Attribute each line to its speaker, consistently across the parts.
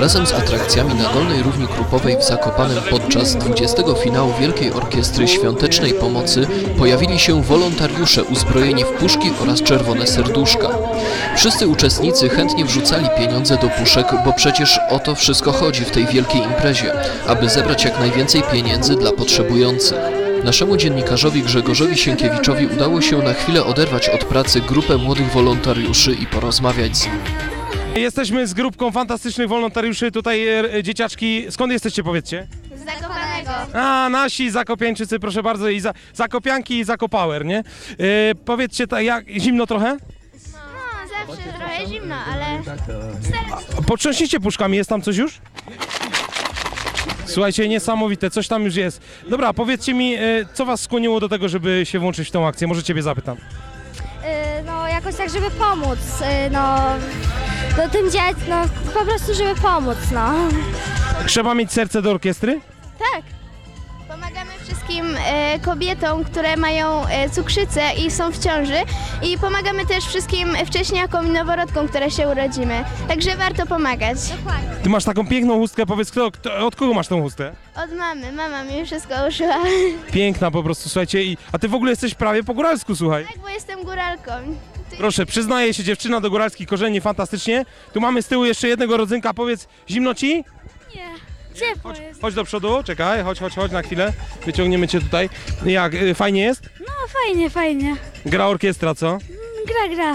Speaker 1: Razem z atrakcjami na Dolnej Równi Krupowej w Zakopanem podczas 20. finału Wielkiej Orkiestry Świątecznej Pomocy pojawili się wolontariusze uzbrojeni w puszki oraz czerwone serduszka. Wszyscy uczestnicy chętnie wrzucali pieniądze do puszek, bo przecież o to wszystko chodzi w tej wielkiej imprezie, aby zebrać jak najwięcej pieniędzy dla potrzebujących. Naszemu dziennikarzowi Grzegorzowi Sienkiewiczowi udało się na chwilę oderwać od pracy grupę młodych wolontariuszy i porozmawiać z nimi.
Speaker 2: Jesteśmy z grupką fantastycznych wolontariuszy, tutaj dzieciaczki. Skąd jesteście, powiedzcie?
Speaker 3: Z Zakopanego.
Speaker 2: A, nasi zakopiańczycy, proszę bardzo, i zakopianki i zakopauer, nie? Powiedzcie, jak zimno trochę?
Speaker 3: No, zawsze trochę zimno, ale...
Speaker 2: Potrząśnijcie puszkami, jest tam coś już? Słuchajcie, niesamowite, coś tam już jest. Dobra, powiedzcie mi, co was skłoniło do tego, żeby się włączyć w tę akcję? Może ciebie zapytam.
Speaker 4: No jakoś tak, żeby pomóc, no tym dzieciom, no po prostu, żeby pomóc, no.
Speaker 2: Trzeba mieć serce do orkiestry?
Speaker 3: Tak. Pomagamy wszystkim kobietom, które mają cukrzycę i są w ciąży, i pomagamy też wszystkim wcześniakom i noworodkom, które się urodzimy. Także warto pomagać.
Speaker 4: Dokładnie.
Speaker 2: Ty masz taką piękną chustkę, powiedz, od kogo masz tą chustkę?
Speaker 3: Od mamy. Mama mi wszystko uszyła.
Speaker 2: Piękna po prostu, słuchajcie, a ty w ogóle jesteś prawie po góralsku, słuchaj.
Speaker 3: Tak, bo jestem góralką.
Speaker 2: Proszę, przyznaje się dziewczyna do góralskich korzeni, fantastycznie. Tu mamy z tyłu jeszcze jednego rodzynka, powiedz, zimno ci?
Speaker 4: Nie, ciepło jest.
Speaker 2: Chodź do przodu, czekaj, chodź na chwilę, wyciągniemy cię tutaj. Jak, fajnie jest?
Speaker 4: No fajnie.
Speaker 2: Gra orkiestra, co?
Speaker 4: Gra.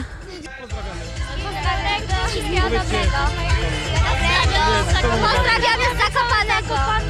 Speaker 3: Pozdrawiamy z Zakopanego.